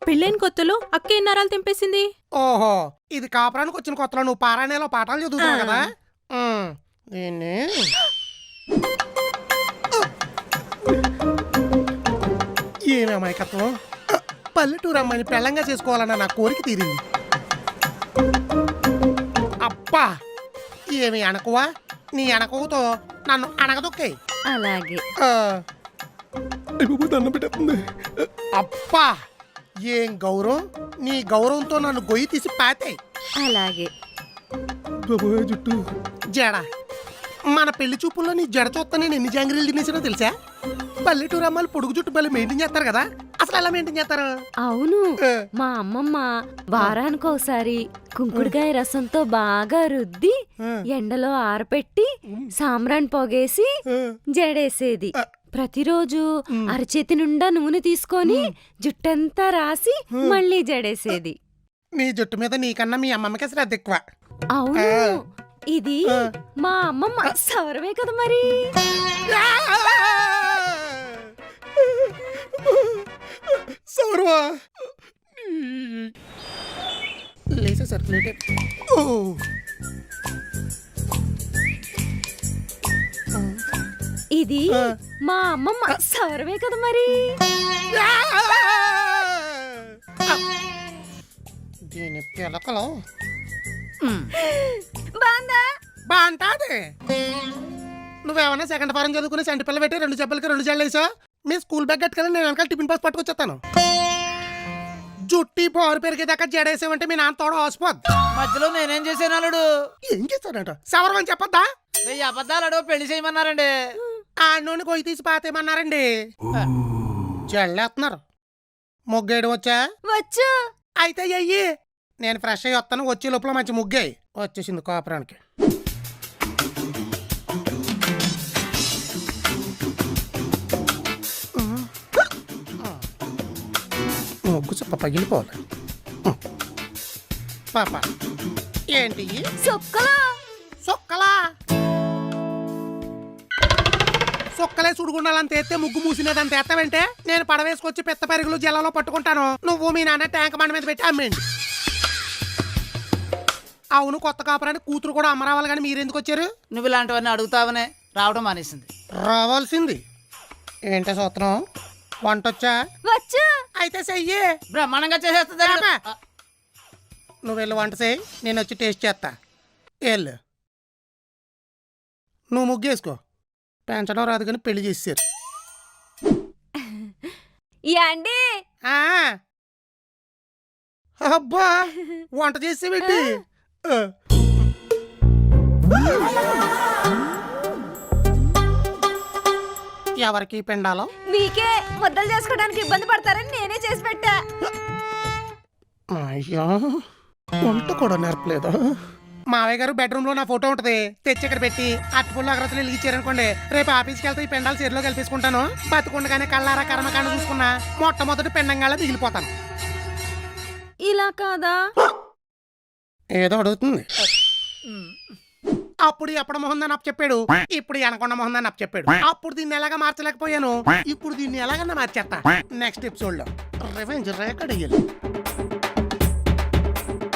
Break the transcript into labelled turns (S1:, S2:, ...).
S1: పెళ్ళైన కొత్తలో అక్క ఎన్నారాలు తెంపేసింది.
S2: ఓహో, ఇది కాపురానికి వచ్చిన కొత్తలో నువ్వు పారాయణలో పాఠాలు చదువుతున్నావు కదా. దీన్ని ఏమి అమాయకత్వం. పల్లెటూరు అమ్మాయిని పెళ్ళంగా చేసుకోవాలన్న నా కోరిక తీరింది. అబ్బా, ఏమి అనకువా, నీ అనకువతో నన్ను అనగదొక్కాయి.
S3: అలాగే
S2: దండం పెట్టేస్తుంది. అబ్బా, ఏం గౌరవం. నీ గౌరవంతో నన్ను గొయ్యి తీసి పాతాయి.
S3: అలాగే
S2: జుట్టు జడ. మన పెళ్లి చూపుల్లో నీ జడ చూస్తా నేను ఎన్ని జాంగ్రీలు తినేసినో తెలుసా. పల్లెటూరు అమ్మాయిలు పొడుగు జుట్టు బలి మెయింటైన్ చేస్తారు కదా, అసలు ఎలా మెయింటైన్ చేస్తారు?
S3: అవును, మా అమ్మమ్మ వారానికి ఒకసారి కుంకుడుకాయ రసంతో బాగా రుద్ది ఎండలో ఆరపెట్టి సాంబ్రాన్ పొగేసి జడేసేది. ప్రతిరోజు అరచేతి నిండా నూనె తీసుకొని జుట్టంతా రాసి మళ్ళీ జడేసేది.
S2: నీ జుట్టు మీద నీకన్నా మీ అమ్మమ్మకి శ్రద్ధ ఎక్కువ.
S3: అవును, ఇది మా అమ్మమ్మ సౌరవే కదా మరి.
S2: సౌరవా లేసే సర్క్యులేటర్.
S3: ఇది మా అమ్మమ్మ సౌరవే కదా మరి.
S2: దీని పిలకలో బాగుంటాది. నువ్వేమన్నా సెకండ్ ఫారం చదువుకుని సెంటి పిల్ల పెట్టి 2 చెప్పులకి 2 జళ్ళు వేసా. మీ స్కూల్ బ్యాగ్ కట్టుకెళ్ళి నేను వెనకాల టిఫిన్ బాక్స్ పట్టుకొచ్చేస్తాను. జుట్టి పోరు పెరిగేదాకా జడేసామంటే మీ నాన్న తోడ ఆసిపోద్ది.
S4: మధ్యలో నేనేం చేశాను అల్లుడు?
S2: ఏం చేస్తాడంట? సవరమని చెప్పొద్దా?
S4: 1000 అబద్ధాలు పెళ్లి చేయమన్నారండి.
S2: ఆ నూనె కొయ్యి తీసి పాతేమన్నారండి. జల్లేస్తున్నారు. ముగ్గేయడం వచ్చా?
S3: వచ్చు.
S2: అయితే అయ్యి నేను ఫ్రెష్ అయ్యి వస్తాను. వచ్చే లోపల మంచి ముగ్గాయి. వచ్చేసింది కాపురానికి. ముగ్గు చెప్ప పగిలిపోవాలి. పాప ఏంటి
S3: సొక్కలా?
S2: సొక్కలా సొక్కలే సుడుగుండాలంత ఎత్తే ముగ్గు మూసినదంత ఎత్తవంటే నేను పడవేసుకొచ్చి పెద్ద పెరుగులు జల్లలో పట్టుకుంటాను. నువ్వు మీ నాన్న ట్యాంక్ బండ మీద పెట్టి అమ్మేయండి. అవును, కొత్త కాపురానికి కూతురు కూడా అమ్మరావాలి, కానీ మీరెందుకు వచ్చారు?
S4: నువ్వు ఇలాంటివన్నీ అడుగుతావనే రావడం మానేసింది.
S2: రావాల్సింది. ఏంటో సూత్రం? వంట వచ్చా?
S3: వచ్చు.
S2: అయితే చెయ్యి.
S4: బ్రహ్మాండంగా చేసేస్తుంది.
S2: నువ్వు వెళ్ళి వంట చెయ్యి, నేను వచ్చి టేస్ట్ చేస్తా. వెళ్ళు. నువ్వు ముగ్గేసుకో. పెంచడం రాదు కానీ పెళ్లి చేసారు.
S3: ఏండి?
S2: అబ్బా, వంట చేసేవిటి? ఎవరికి పిండాలో?
S3: మీకే. ముద్దలు చేసుకోవడానికి ఇబ్బంది పడతారని నేనే చేసి పెట్టా.
S2: అయ్యా, వంట కూడా నేర్పలేదు. మావయ్య గారు బెడ్రూమ్ లో నా ఫోటో ఉంటది, తెచ్చి ఇక్కడ పెట్టి అట్టుపుల్లు అగ్రతలు వెలిగించారనుకోండి, రేపు ఆఫీస్కి వెళ్తే ఈ పెండాలు చీరలో కలిపేసుకుంటాను. బతుకుండగానే కళ్ళారా కర్మకాండ చూసుకున్నా మొట్టమొదటి పెండంగా మిగిలిపోతాను.
S3: ఇలా కాదా?
S2: ఏదో అడుగుతుంది. అప్పుడు ఎప్పుడు మొహందని అప్పు చెప్పాడు, ఇప్పుడు అనకొండ మొహందని అప్పు చెప్పాడు. అప్పుడు దీన్ని ఎలాగా మార్చలేకపోయాను, ఇప్పుడు దీన్ని ఎలాగన్నా మార్చేస్తా. నెక్స్ట్ ఎపిసోడ్ లో రివెంజ్ రేకడ్ అయ్యాలి.